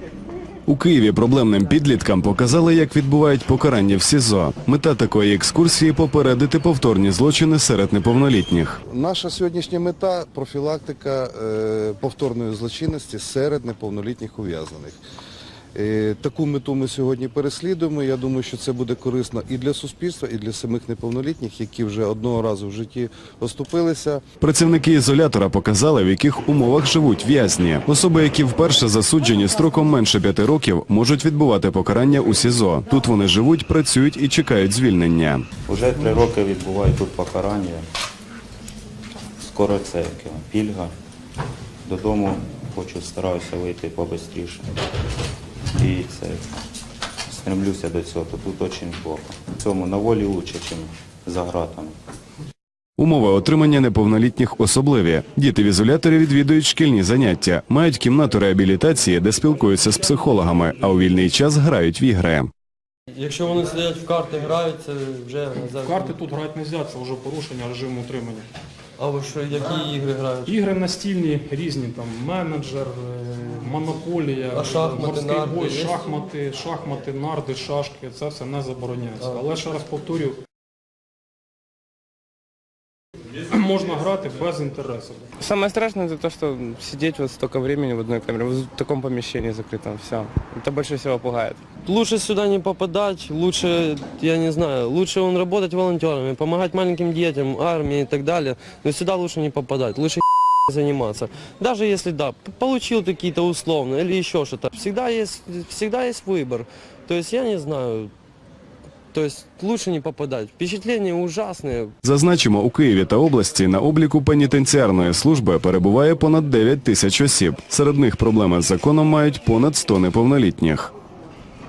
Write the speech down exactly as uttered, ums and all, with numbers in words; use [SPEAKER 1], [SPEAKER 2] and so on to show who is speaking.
[SPEAKER 1] У Києві проблемним підліткам показали, як відбувають покарання в СІЗО. Мета такої екскурсії – попередити повторні злочини серед неповнолітніх.
[SPEAKER 2] Наша сьогоднішня мета – профілактика е, повторної злочинності серед неповнолітніх ув'язнених. Е, таку мету ми сьогодні переслідуємо. Я думаю, що це буде корисно і для суспільства, і для самих неповнолітніх, які вже одного разу в житті оступилися.
[SPEAKER 1] Працівники ізолятора показали, в яких умовах живуть в'язні. Особи, які вперше засуджені строком менше п'яти років, можуть відбувати покарання у СІЗО. Тут вони живуть, працюють і чекають звільнення.
[SPEAKER 3] Уже три роки відбувають тут покарання. Скоро це пільга. Додому хочу, стараюся вийти побистріше. І це, стремлюся до цього. Тут дуже плохо. В цьому на волі краще, ніж за ґратами.
[SPEAKER 1] Умови отримання неповнолітніх особливі. Діти в ізоляторі відвідують шкільні заняття, мають кімнату реабілітації, де спілкуються з психологами, а у вільний час грають в ігри.
[SPEAKER 4] Якщо вони сидять в карти, грають, це вже...
[SPEAKER 5] В карти тут грати не можна, це вже порушення режиму утримання.
[SPEAKER 4] А ви що, які ігри грають?
[SPEAKER 5] Ігри настільні різні, там менеджер, монополія,
[SPEAKER 4] А шахмати,
[SPEAKER 5] морський
[SPEAKER 4] нарди
[SPEAKER 5] бой,
[SPEAKER 4] є?
[SPEAKER 5] шахмати, шахмати, нарди, шашки, це все не забороняється. Але ще раз повторюю, можна грати без інтересу.
[SPEAKER 6] Самое страшное это то, что сидеть вот столько времени в одной камере, в таком помещении закрытом, все. Это больше всего пугает.
[SPEAKER 4] Лучше сюда не попадать, лучше, я не знаю, лучше он работать волонтерами, помогать маленьким детям, армии и так далее, но сюда лучше не попадать, лучше заниматься. Даже если, да, получил какие-то условно или еще что-то, всегда есть, всегда есть выбор. То есть я не знаю, то есть лучше не попадать. Впечатления ужасные.
[SPEAKER 1] Зазначимо, у Києві та області на обліку пенітенціарної служби перебуває понад дев'ять тисяч осіб. Серед них проблеми з законом мають понад сто неповнолітніх.